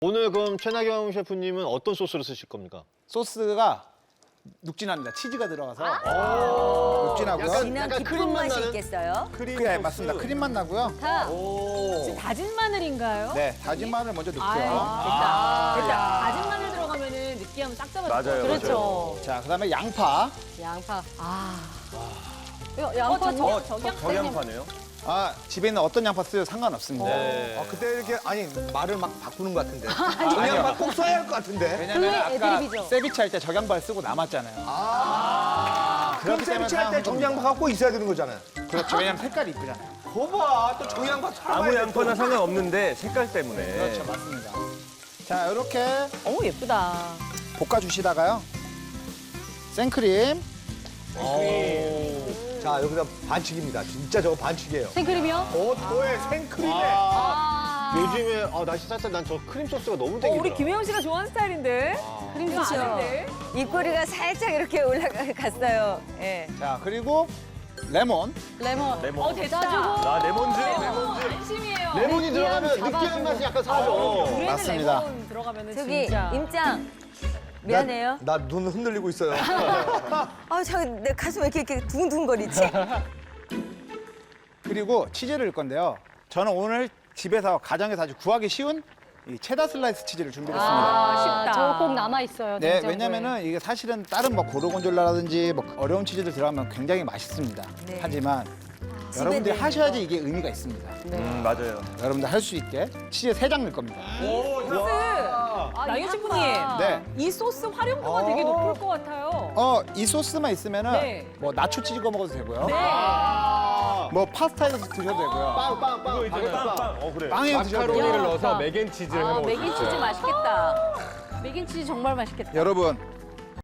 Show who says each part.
Speaker 1: 오늘 그럼 최나경 셰프님은 어떤 소스를 쓰실 겁니까?
Speaker 2: 소스가 눅진합니다. 치즈가 들어가서 눅진하고요.
Speaker 3: 진한
Speaker 1: 약간
Speaker 3: 깊은
Speaker 1: 크림 맛
Speaker 3: 맛이
Speaker 1: 나는?
Speaker 3: 있겠어요?
Speaker 2: 네, 맞습니다. 크림 맛 나고요.
Speaker 4: 지금 다진 마늘인가요?
Speaker 2: 네, 다진 마늘 먼저 넣고요.
Speaker 4: 됐다. 다진 마늘 들어가면은 느끼하면 싹 잡아줄 것 같아요.
Speaker 5: 그렇죠.
Speaker 2: 자, 그다음에 양파.
Speaker 4: 양파.
Speaker 5: 이거 양파
Speaker 4: 저양파네요.
Speaker 2: 아, 집에 있는 어떤 양파 쓰여도 상관없습니다.
Speaker 6: 그때 이렇게 아니 말을 막 바꾸는 것 같은데.
Speaker 2: 아니요.
Speaker 6: 정양파 꼭 써야 할 것 같은데.
Speaker 2: 왜냐면 아까
Speaker 4: 애드립이죠.
Speaker 2: 세비치 할 때 적양파를 쓰고 남았잖아요.
Speaker 6: 그럼
Speaker 2: 그렇기 때문에
Speaker 6: 세비치 할 때
Speaker 2: 사용한
Speaker 6: 정양파가 꼭 있어야 되는 거잖아요.
Speaker 2: 그렇죠. 왜냐면 색깔이 이쁘잖아요.
Speaker 6: 거봐 또 정양파
Speaker 5: 아무 양파나 상관없는데 색깔 때문에.
Speaker 2: 그렇죠, 맞습니다. 자, 이렇게
Speaker 4: 어우 예쁘다.
Speaker 2: 볶아주시다가요. 생크림.
Speaker 6: 자 여기다 반칙입니다. 진짜 저거 반칙이에요.
Speaker 4: 생크림이요?
Speaker 6: 도에 생크림에.
Speaker 1: 요즘에 날씨 쌀쌀 난 저 크림 소스가 너무 땡기더라.
Speaker 4: 우리 김혜영 씨가 좋아하는 스타일인데. 크림
Speaker 3: 그렇죠.
Speaker 4: 아닌데.
Speaker 3: 입꼬리가 살짝 이렇게 올라갔어요. 예.
Speaker 2: 자, 그리고 레몬.
Speaker 4: 레몬. 됐다.
Speaker 5: 아, 레몬즙?
Speaker 4: 안심이에요.
Speaker 1: 레몬이 들어가면 느끼한 맛이 약간 사라져.
Speaker 4: 물에는
Speaker 2: 맞습니다.
Speaker 4: 레몬 들어가면은
Speaker 3: 저기
Speaker 4: 진짜.
Speaker 3: 임장 미안해요.
Speaker 6: 나 눈 흔들리고 있어요.
Speaker 3: 내 가슴 왜 이렇게 두근두근거리지?
Speaker 2: 그리고 치즈를 넣을 건데요. 저는 오늘 집에서 가정에서 아주 구하기 쉬운 이 체다 슬라이스 치즈를 준비했습니다.
Speaker 4: 쉽다.
Speaker 7: 저거 꼭 남아있어요.
Speaker 2: 네,
Speaker 7: 냉장고에.
Speaker 2: 왜냐면은 이게 사실은 다른 뭐 고르곤졸라라든지 뭐 어려운 치즈들 들어가면 굉장히 맛있습니다.
Speaker 3: 네.
Speaker 2: 하지만
Speaker 3: 집에
Speaker 2: 여러분들이
Speaker 3: 있는
Speaker 2: 하셔야지 이게 의미가 있습니다.
Speaker 5: 맞아요.
Speaker 2: 여러분들 할 수 있게 치즈 3장 넣을 겁니다.
Speaker 4: 나경 셰프님.
Speaker 2: 네.
Speaker 4: 이 소스 활용도가 되게 높을 것 같아요.
Speaker 2: 이 소스만 있으면은
Speaker 4: 네.
Speaker 2: 뭐 나초 치즈 구워 먹어도 되고요.
Speaker 4: 네.
Speaker 2: 뭐 파스타에서 드셔도 되고요.
Speaker 1: 빵.
Speaker 5: 빵. 그래.
Speaker 2: 빵에 드셔도 되고요.
Speaker 5: 넣어서 맥앤치즈를 해 먹을 수
Speaker 3: 맥인치즈 맛있겠다.
Speaker 7: 맥인치즈 정말 맛있겠다.
Speaker 2: 여러분